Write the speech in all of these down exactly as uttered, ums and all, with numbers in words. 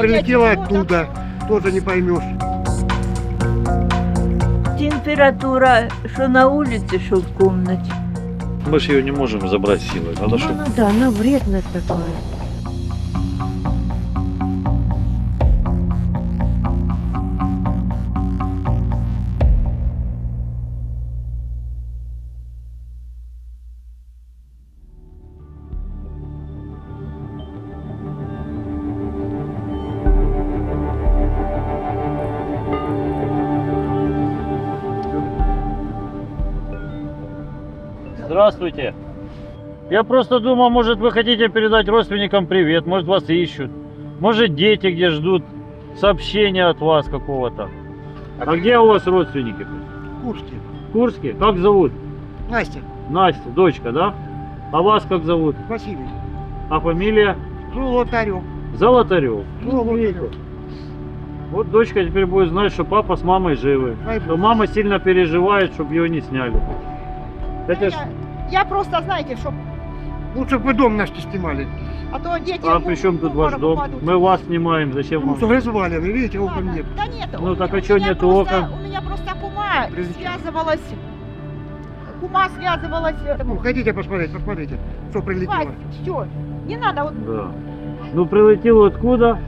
прилетела оттуда, тоже не поймешь. Температура, что на улице, что в комнате. Мы же ее не можем забрать силой. Надо, Ну, чтобы... ну да, она вредно такое. Здравствуйте. Я просто думал, может, вы хотите передать родственникам привет, может, вас ищут. Может, дети где ждут сообщения от вас какого-то. А где у вас родственники? Курске. В Курске? Как зовут? Настя, Настя, дочка, да? А вас как зовут? Василий. А фамилия? Золотарев. Золотарев. Золотарев. Вот дочка теперь будет знать, что папа с мамой живы. Дай Но Бог. мама сильно переживает, чтобы ее не сняли. Это ж... Я, я просто, знаете, чтоб, Лучше бы вы дом наш не снимали. а то дети... А в- при чем в тут ваш обморок дом? упадут. Мы вас снимаем, зачем Ну, вам? что развалины, видите, окон Ладно. нет. Да нет, Ну, у так меня- а чё у меня нету просто- окон? У меня просто кума Прилетела. связывалась... Кума связывалась... Ну, хотите посмотреть, посмотрите, что прилетело. все, не надо вот... Да. Ну прилетел откуда?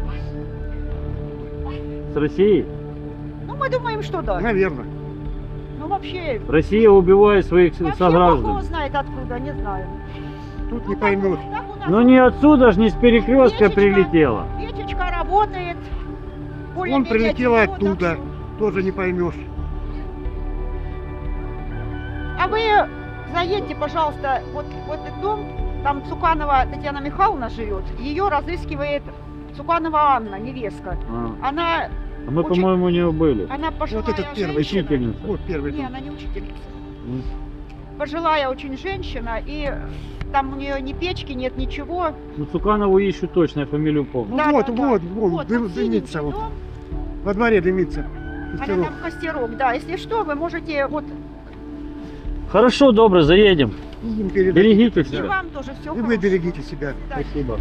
С России? Ну, мы думаем, что да. Наверное. Ну, вообще... Россия убивает своих Вообще, Бог сограждан. его знает откуда, не знаю. Тут Ну, не так- поймешь. так у нас Ну не отсюда ж, не с перекрестка Печечка. прилетела. печечка работает. Он более-менее прилетел тепло, так оттуда, что- тоже не поймешь. А вы заедьте, пожалуйста, вот в этот дом, там Цуканова Татьяна Михайловна живет, ее разыскивает Цуканова Анна, невестка. А, Она, а мы, Очень- по-моему, у нее были. она пожилая Вот этот первый женщина. Учительница. Вот первый Не, дом. она не учительница. М. Пожилая очень женщина, и там у нее ни печки нет, ничего. Ну Цуканову ищу точно, я фамилию помню. Ну Да, вот, да, да. вот, вон, Вот, дым- вот дымится синенький вот. дом, Во дворе дымится. она Костерок. там костерок, да. Если что, вы можете, вот, Хорошо, добре, заедем. Им передадите Берегите и тогда. себя. вам тоже все И вы берегите себя. Спасибо.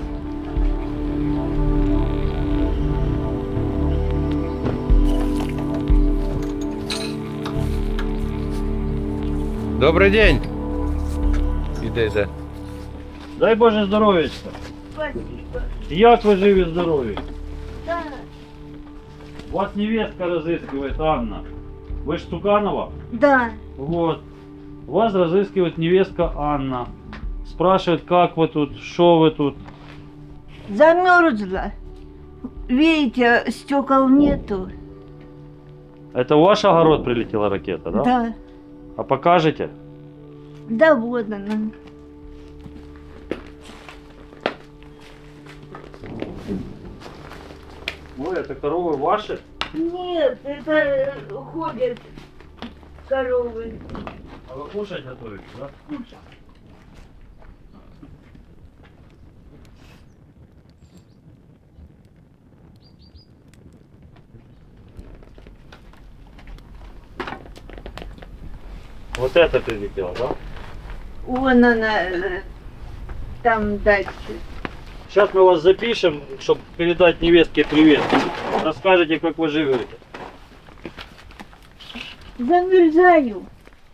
Добрий день. Іде, йде. Дай Боже здоров'ячка. Спасибо. Як ви живі здорові? Да, Вас невестка разыскивает, Анна. Вы ж Цуканова? да. Вот. Вас разыскивает невестка Анна. Спрашивает, как вы тут, что вы тут. Замерзла. Видите, стекол нету. Это в ваш огород прилетела ракета, да? Да. А покажете? Да вот она. Ой, это коровы ваши? Нет, это э, ходят коровы. А вы кушать готовите, да? Вот это прилетело, да? Вон она, э, там дальше. Сейчас мы вас запишем, чтобы передать невестке привет. Расскажете, как вы живете. Замерзаю.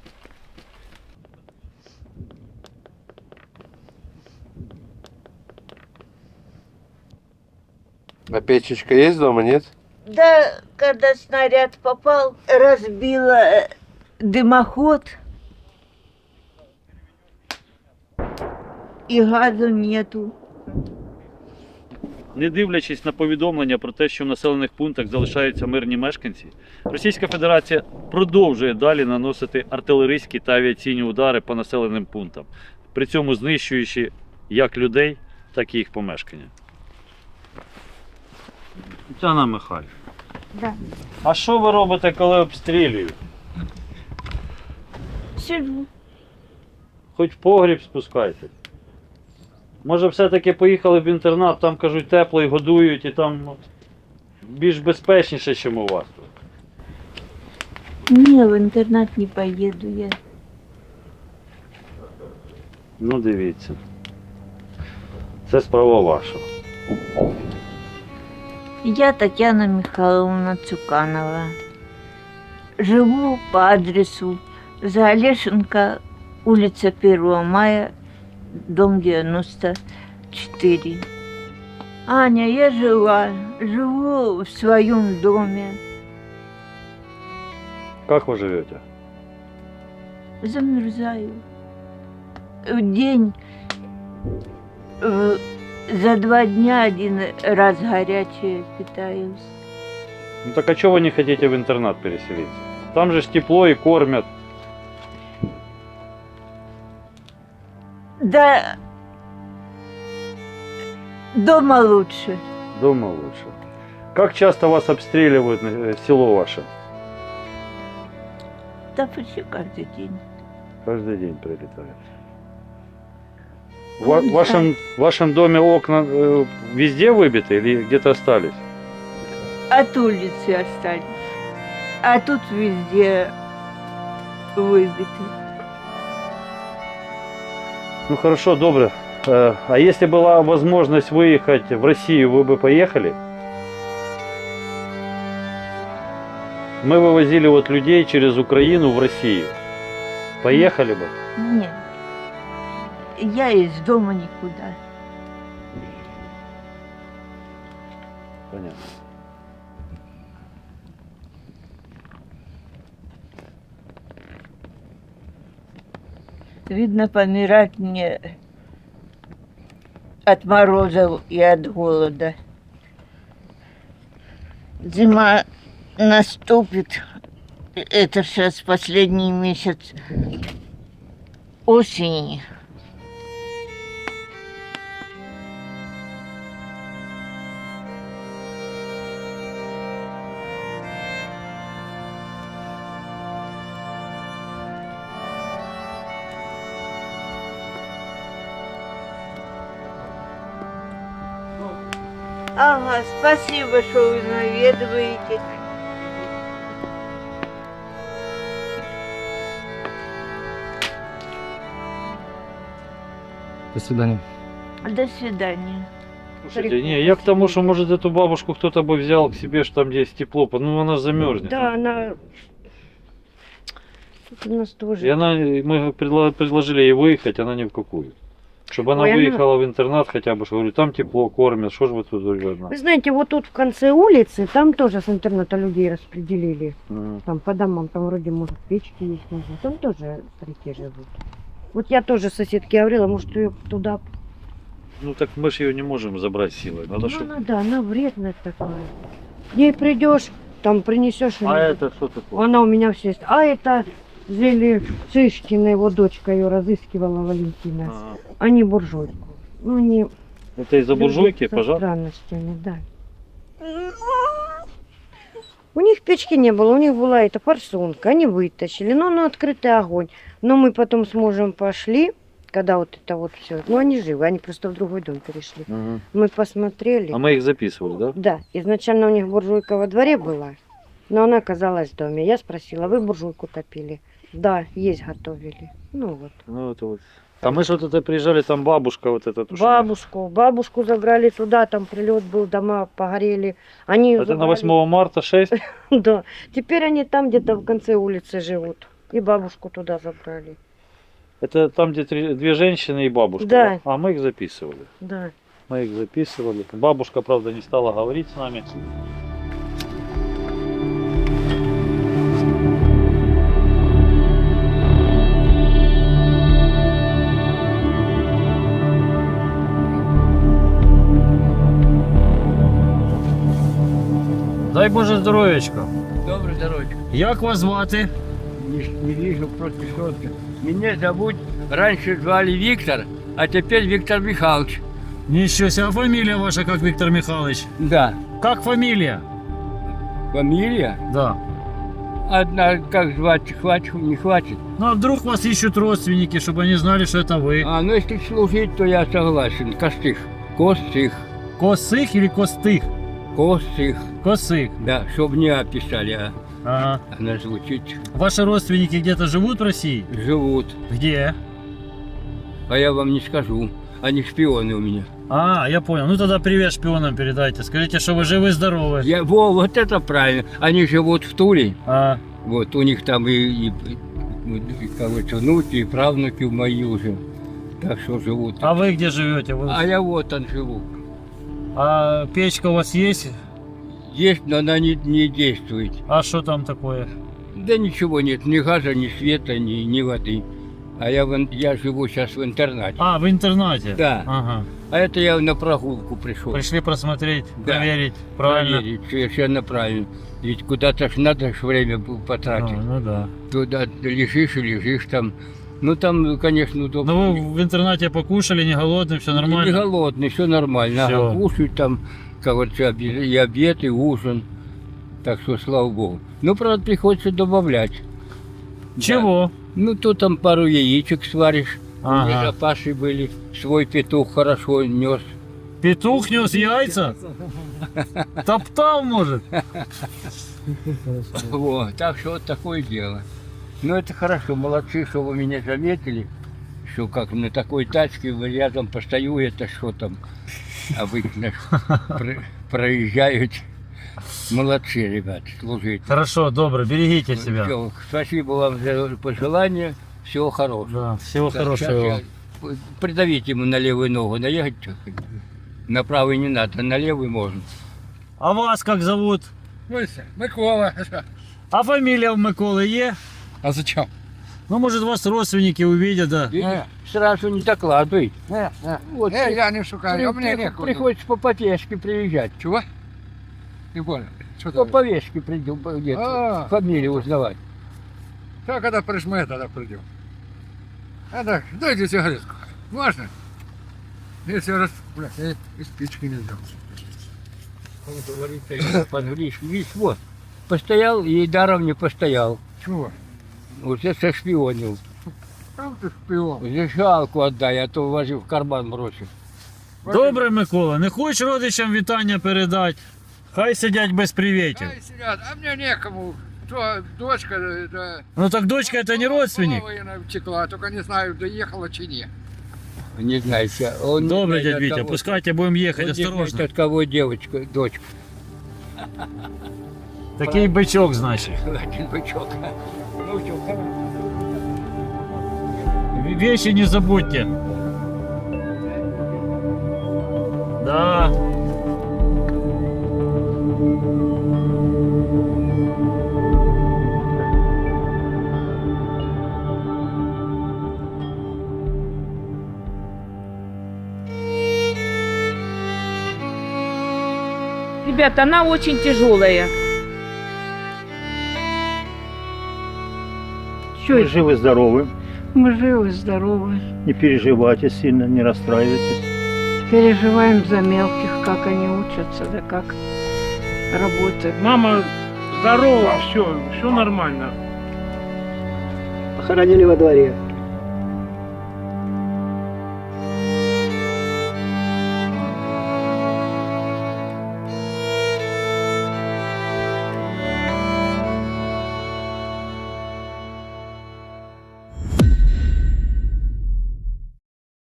А печечка есть дома, нет? Да, когда снаряд попал, разбила э, дымоход. И газу нету. Не дивлячись на повідомлення про те, що в населених пунктах залишаються мирні мешканці, Російська Федерація продовжує далі наносити артилерійські та авіаційні удари по населеним пунктам, при цьому знищуючи як людей, так і їх помешкання. Тетяна Михайлівна, Да. а що ви робите, коли обстрілюють? Сижу. Хоч в погріб спускайтесь. Може все-таки поїхали в інтернат, там кажуть тепло і годують, і там ну, більш безпечніше, ніж у вас тут. Не, в интернат не поеду я. Ну дивіться. Це справа ваша. Я Татьяна Михайловна Цуканова. Живу по адресу Заолешенко, улица первого мая, дом девяносто четыре. Аня, я жила, живу в своем доме. Как вы живете? Замерзаю. В день, в- за два дня один раз горячее питаюсь. Ну так а чего вы не хотите в интернат переселиться? Там же ж тепло и кормят. Да, дома лучше. Дома лучше. Как часто вас обстреливают э, село ваше? Да почти каждый день. Каждый день прилетает. В ва- вашем, в вашем доме окна э, везде выбиты или где-то остались? От улицы остались. А тут везде выбиты. Ну хорошо, добре. Э, А если была возможность выехать в Россию, вы бы поехали? Мы вывозили вот людей через Украину в Россию. Поехали бы? Нет. Я из дома никуда. Понятно. Видно, помирать мне от морозов и от голода. Зима наступит. Это сейчас последний месяц осени. Ага, спасибо, что вы наведываете. До свидания. До свидания. Слушайте, не, я к тому, что может эту бабушку кто-то бы взял к себе, что там где есть тепло, ну она замерзнет. Да, она... Тут у нас тоже... И она, мы предла- предложили ей выехать, она ни в какую. Чтобы она Ой, она- выехала в интернат хотя бы, что говорю, там тепло, кормят, что ж вы тут говорю, одна? Вы знаете, вот тут в конце улицы, там тоже с интерната людей распределили. Мгм. Там по домам, там вроде, может, печки есть, можно. Там тоже старики живут. Вот я тоже соседке говорила, может, ее туда... Ну так мы же ее не можем забрать силой, надо Ну, чтобы... надо, она вредная такая. К ней придешь, там принесешь... А это что такое? Она у меня все есть. А это Зели Цышкина, его дочка ее разыскивала, Валентина. Ага. Они буржуйку. Ну, они... Это из-за буржуйки, Со пожалуйста? странностями, да. У них печки не было, у них была эта форсунка, они вытащили, но на открытый огонь. Но мы потом с мужем пошли, когда вот это вот все. Ну, они живы, они просто в другой дом перешли. Мгм. Мы посмотрели. А мы их записывали, да? Да, изначально у них буржуйка во дворе была, но она оказалась в доме. Я спросила, вы буржуйку топили? Да, есть готовили. Ну вот. Ну это вот. А мы же вот это приезжали, там бабушка вот эта. тушила. Бабушку, бабушку забрали туда, там прилет был, дома погорели. Они её Это на забрали. восьмого марта шесть? Да. Теперь они там где-то в конце улицы живут. И бабушку туда забрали. Это там, где три- две женщины и бабушка. Да. А мы их записывали. Да. Мы их записывали. Бабушка, правда, не стала говорить с нами. Дай Боже здоров'ячка. Доброе здоровье. Як вас звати? Не, не вижу просто четко. Меня зовут, раньше звали Виктор, а теперь Виктор Михайлович. Ничего себе, а фамилия ваша как, Виктор Михайлович? Да. Как фамилия? Фамилия? Да. Одна, как звать, хватит, не хватит. Ну а вдруг вас ищут родственники, чтобы они знали, что это вы? А, ну если служить, то я согласен. Костых. Костых. Косых или Костых? Костых. Косых. Да, чтобы не описали, а Ага. она звучит. Ваши родственники где-то живут в России? Живут. Где? А я вам не скажу. Они шпионы у меня. А, я понял. Ну тогда привет шпионам передайте. Скажите, что вы живы-здоровы. Я, во, вот это правильно. Они живут в Туле. А, Вот у них там и, и, и, и, короче, внуки, и правнуки мои уже. Так что живут. а вы где живете? Вы- А я вот там живу. А печка у вас есть? Есть, но она не, не действует. А что там такое? Да ничего нет, ни газа, ни света, ни, ни воды. А я, в ин- я живу сейчас в интернате. А, в интернате? Да. Ага. А это я на прогулку пришел. Пришли просмотреть, Да. проверить. Правильно? Проверить, совершенно правильно. Ведь куда-то ж надо ж время было А, потратить. ну да. Туда лежишь и лежишь там. Ну там, конечно, удобно. Ну вы в интернате покушали, не голодный, все Не нормально? голодный, все нормально. Всё. Ага, кушать там, короче, обе- и обед, и ужин. Так что, слава богу. Ну, правда, приходится добавлять. Чего? Ну, то там пару яичек сваришь. Ага. У меня запасы были. Свой петух хорошо нес. Петух нес яйца? Топтал, может? Вот, так что вот такое дело. Ну, это хорошо, молодцы, что вы меня заметили, что как на такой тачке вы рядом постою, это что там обычно про- проезжают. Молодцы, ребят, служите. Хорошо, добро, берегите себя. Всё, спасибо вам за пожелания, всего хорошего. Да, всего Так, хорошего щас вам. я- Придавите ему на левую ногу, наехать чуть-чуть. На правую не надо, на левую можно. А вас как зовут? Микола. А фамилия у Миколы є? А зачем? Ну, может, вас родственники увидят, да. Видишь, сразу не докладывай. Не, не. Вот, Не, я не шукаю, а мне при- некуда. приходится по повестке приезжать. Чего? Не понял. Что По ты? повестке придем, где-то А. фамилию узнавать. Да, когда прижмет, тогда придем. А так, дайте сигаретку. Можно? Если раз, блядь, я и спички не взял. Подгришь, видишь, вот. Постоял и даром не постоял. Чего? Уже сошпионил. Там ты шпион. Уже жалку отдай, а то вложи в карман бросив. Добре, Микола, не хочеш родичам вітання передати? Хай сидять без привітів. Ай, сидят, а мне некому. То дочка, да, Ну так дочка это не родственник. Половина втекла, только не знаю, доехала чи не. Не знаю, ща- он не Добре, знает, дядь от Витя, кого. пускайте, будем Он ехать не знает, осторожно. от кого девочка, дочка. Такий бичок, значить. Один бычок. Ну что, В- Вещи не забудьте. Да. Ребята, она очень тяжелая. Что Вы это? живы-здоровы, Мы живы, здоровы. не переживайте сильно, не расстраивайтесь. Переживаем за мелких, как они учатся, да как работают. Мама здорова, все, все нормально. Похоронили во дворе.